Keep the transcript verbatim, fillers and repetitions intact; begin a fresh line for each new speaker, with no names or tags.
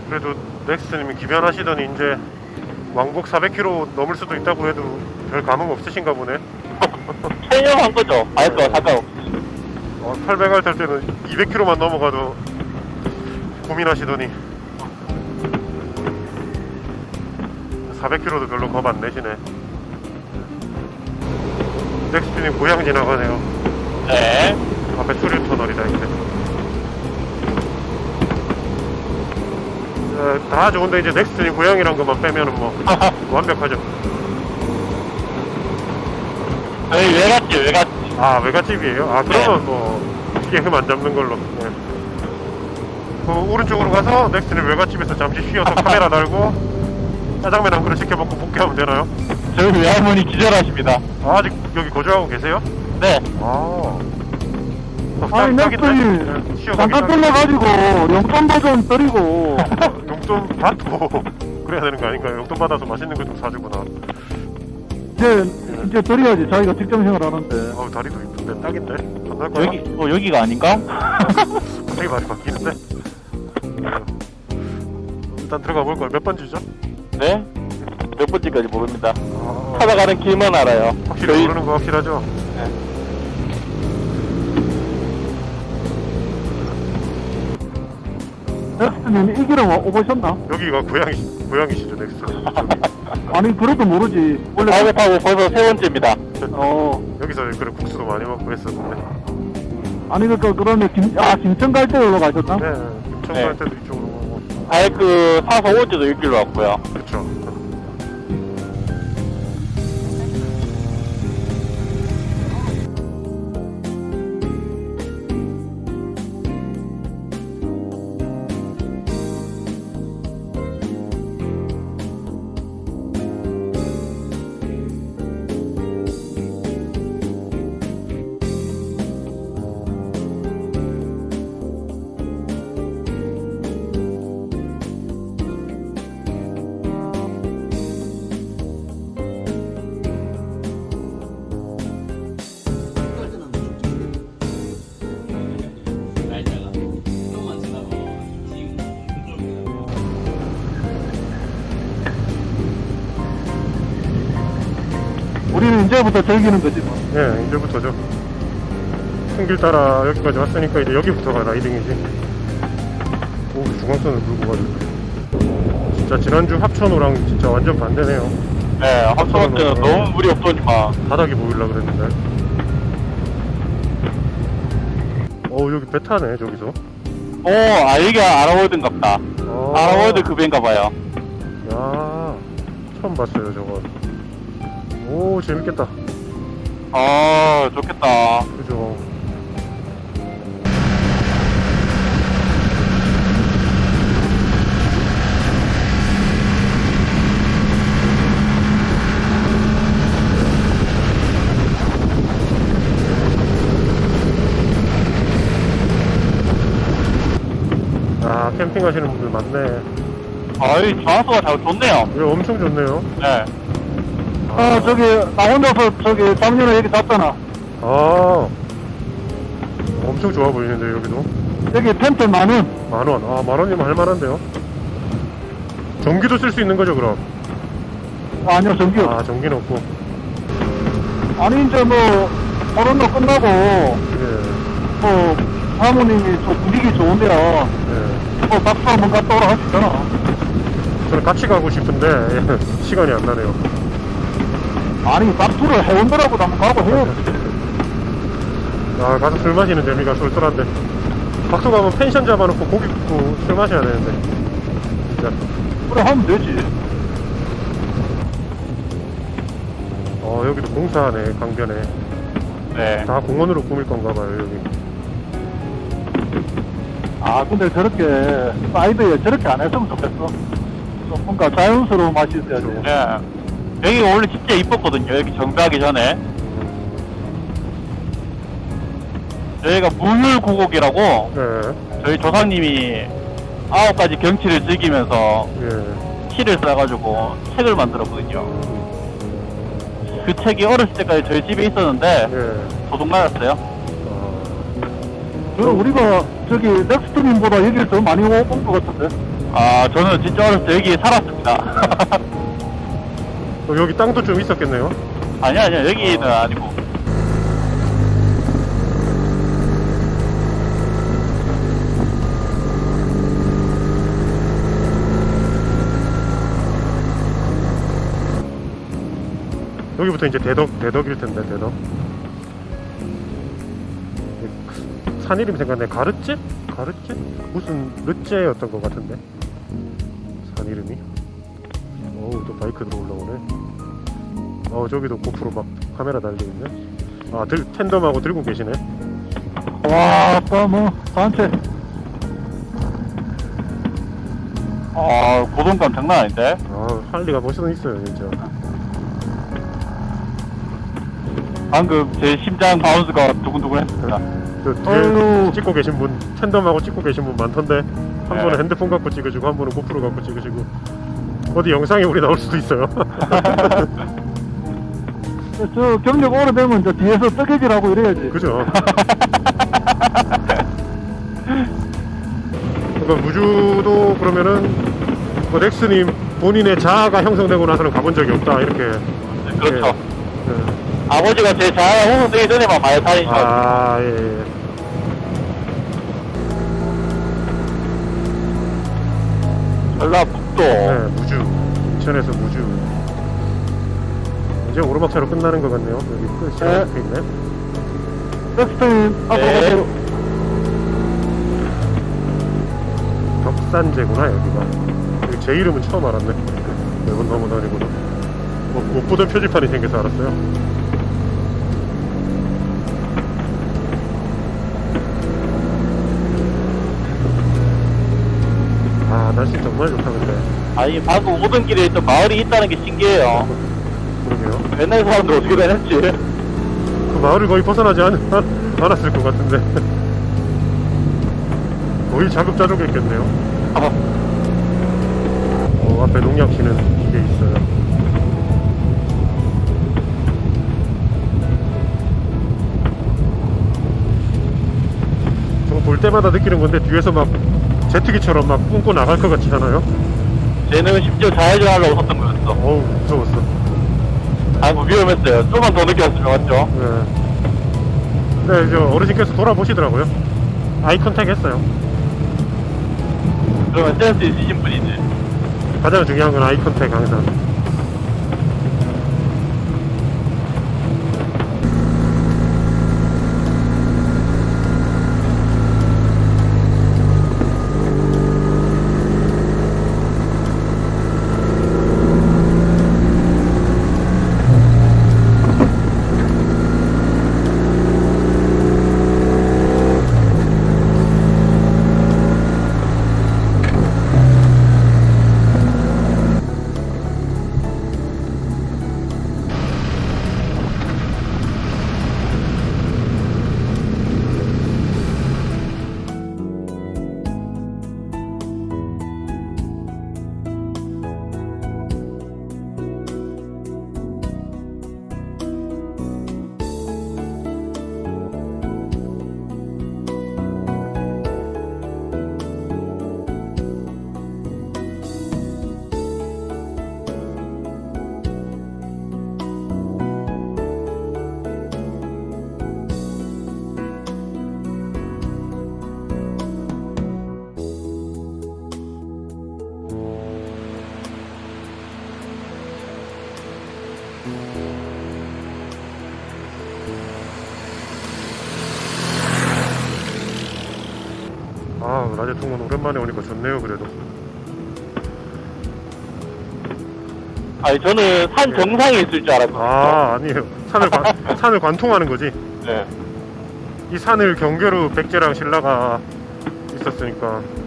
그래도 넥스님이 기변하시더니 이제 왕복 사백 킬로미터 넘을 수도 있다고 해도 별 감흥 없으신가 보네.
체념한 거죠. 아이고, 상관없어.
어, 팔백 알 탈 때는 이백 킬로미터만 넘어가도 고민하시더니 사백 킬로미터도 별로 겁 안 내시네. 넥스님 고향 지나가네요.
네.
앞에 수류 터널이다 이제. 어, 다 좋은데 이제 넥스님 고향이란 것만 빼면은 뭐 완벽하죠.
저희 외갓집, 외갓집.
아 외갓집이에요? 아 그러면 뭐 이게 흠 안 잡는 걸로. 네. 그 오른쪽으로 가서 넥스님 외갓집에서 잠시 쉬어서 카메라 달고 짜장면 한 그릇 시켜 먹고 복귀하면 되나요?
저희 외할머니 기절하십니다.
아, 아직 여기 거주하고 계세요?
네.
아.
아니 넥스님 잠깐 떨려가지고 용돈 좀 드리고
용돈 받고 그래야 되는 거 아닌가요? 용돈 받아서 맛있는 거 좀 사주구나.
이제 이제 드려야지. 자기가 직장 생활 하는데.
어우 다리도 이쁜데 딱인데? 안 날 거야?
여기, 어, 여기가 아닌가?
되게 많이 바뀌는데? 일단 들어가 볼 걸. 몇 번지죠?
네? 몇 번째까지 모릅니다.
아,
찾아가는 길만 알아요.
확실히
저희-
모르는 거 확실하죠?
네.
넥스님 이 길은 오보셨나?
여기가 고향이, 고향이시죠, 넥스.
아니 그래도 모르지. 원래
작업하고 벌써 세 번째입니다.
어
여기서 그래 국수도 많이 먹고 했었는데.
아니 그니까 그러면 김, 아 김천 갈 때 올라 가셨나?
네, 김천
네.
갈 때도 이쪽으로 오고.
아예 그 사서 올 때도 이 길로 왔고요.
그쵸.
우리는 이제부터 즐기는 거지 뭐.
네, 이제부터죠. 큰 길 따라 여기까지 왔으니까 이제 여기부터가 라이딩이지. 오, 중앙선을 물고 가지고. 진짜 지난주 합천호랑 진짜 완전 반대네요.
네, 합쳐볼 때는 너무 물이 없더니만.
바닥이 보이려고 그랬는데. 어, 여기 배 타네, 저기서.
오, 아, 여기가 아라월드인갑다.
어.
아라월드 급인가봐요.
야, 처음 봤어요, 저거. 오, 재밌겠다.
아, 좋겠다.
그죠. 아, 캠핑 하시는 분들 많네.
아이, 장소가 잘 좋네요.
이거 엄청 좋네요.
네.
아 저기 나 혼자서 저기 작년에 여기 잤잖아.
아, 엄청 좋아 보이는데, 여기도.
여기 텐트 만원.
만 원. 아, 만 원이면 할만한데요? 전기도 쓸 수 있는 거죠, 그럼?
아니요 전기 없.
아, 전기는 없고.
아니 이제 뭐 코로나 끝나고
예,
뭐 사모님이 좀 분위기 좋은데요.
예.
뭐 박수 한번 갔다 오라 하시잖아.
저는 같이 가고 싶은데, 예, 시간이 안 나네요.
아니 박수를 회원들하고도 한번 가고 해요.
아, 가서 술 마시는 재미가 쏠쏠한데. 박수 가면 펜션 잡아놓고 고기 굽고 술 마셔야 되는데. 진짜.
그래 하면 되지.
어, 여기도 공사하네, 강변에.
네.
다 공원으로 꾸밀 건가 봐요, 여기.
아 근데 저렇게 사이드에 저렇게 안 했으면 좋겠어. 좀 뭔가 자연스러운 맛이 있어야지.
네. 여기가 원래 진짜 이뻤거든요. 여기 정비하기 전에. 여기가 물물고곡이라고
네,
저희 조상님이 아홉 가지 경치를 즐기면서
예.
키를 써가지고 책을 만들었거든요. 그 책이 어렸을 때까지 저희 집에 있었는데
예.
도둑 맞았어요.
아,
저는 우리가 저기 넥스트님보다 여기를 더 많이 온 것 같은데.
아, 저는 진짜 어렸을 때 여기 살았습니다.
어, 여기 땅도 좀 있었겠네요.
아니야, 아니야, 여기는 아니고.
여기부터 이제 대덕, 대덕일 텐데, 대덕. 산 이름 생각나네. 가르째? 가르째? 무슨 르째였던 것 같은데. 산 이름이. 어우, 또 바이크 들어 올라오네. 어, 저기도 고프로 막 카메라 달려있네. 아, 들, 텐덤하고 들고 계시네.
와, 또 뭐, 산책.
아, 고동감 장난 아닌데?
아, 할리가 멋은 있어요, 진짜.
방금 제 심장 바운스가 두근두근 했습니다.
저 뒤에
아유.
찍고 계신 분, 텐덤하고 찍고 계신 분 많던데. 한
네.
분은 핸드폰 갖고 찍으시고, 한 분은 고프로 갖고 찍으시고. 어디 영상에 우리 나올 수도 있어요.
저 경력 오래되면 이제 뒤에서 뜨개질하고 이래야지.
그죠? 그러니까 무주도 그러면은 뭐 렉스님 본인의 자아가 형성되고 나서는 가본 적이 없다 이렇게.
그렇죠.
예.
아버지가 제 자아 형성되기 전에만 많이 다니셔.
아 예. 예.
전라북도.
네, 무주. 인천에서 무주. 이제 오르막차로 끝나는 것 같네요. 여기 끝이
네.
이렇게 있네.
렉스턴 앞으로
네.
가세요.
덕산제구나 여기가. 여기 제 이름은 처음 알았네. 매번 넘어다니고는. 뭐, 못 보던 표지판이 생겨서 알았어요. 아 날씨 정말 좋다 근데.
아니, 방금 오던 길에 있던 마을이 있다는 게 신기해요.
그러게요.
옛날 사람들 어떻게 다녔지?
그 마을을 거의 벗어나지 않, 않았을 것 같은데. 거의 자급자족했겠네요.
아,
어, 앞에 농약 치는 게 있어요. 저거 볼 때마다 느끼는 건데 뒤에서 막 제트기처럼 막 뿜고 나갈 것 같지 않아요?
쟤는 심지어 좌회전 하려고 섰던 거였어.
어우 무서웠어.
아이고, 위험했어요. 조금만 더 늦게 왔으면 맞죠?
네. 네, 저 어르신께서 돌아보시더라고요. 아이 컨택 했어요.
그러면 센스 있으신 분이지.
가장 중요한 건 아이 컨택 항상. 아, 라제통은 오랜만에 오니까 좋네요, 그래도.
아니, 저는 산 정상에 있을 줄 알았거든요.
아, 아니에요. 산을, 관, 산을 관통하는 거지.
네.
이 산을 경계로 백제랑 신라가 있었으니까.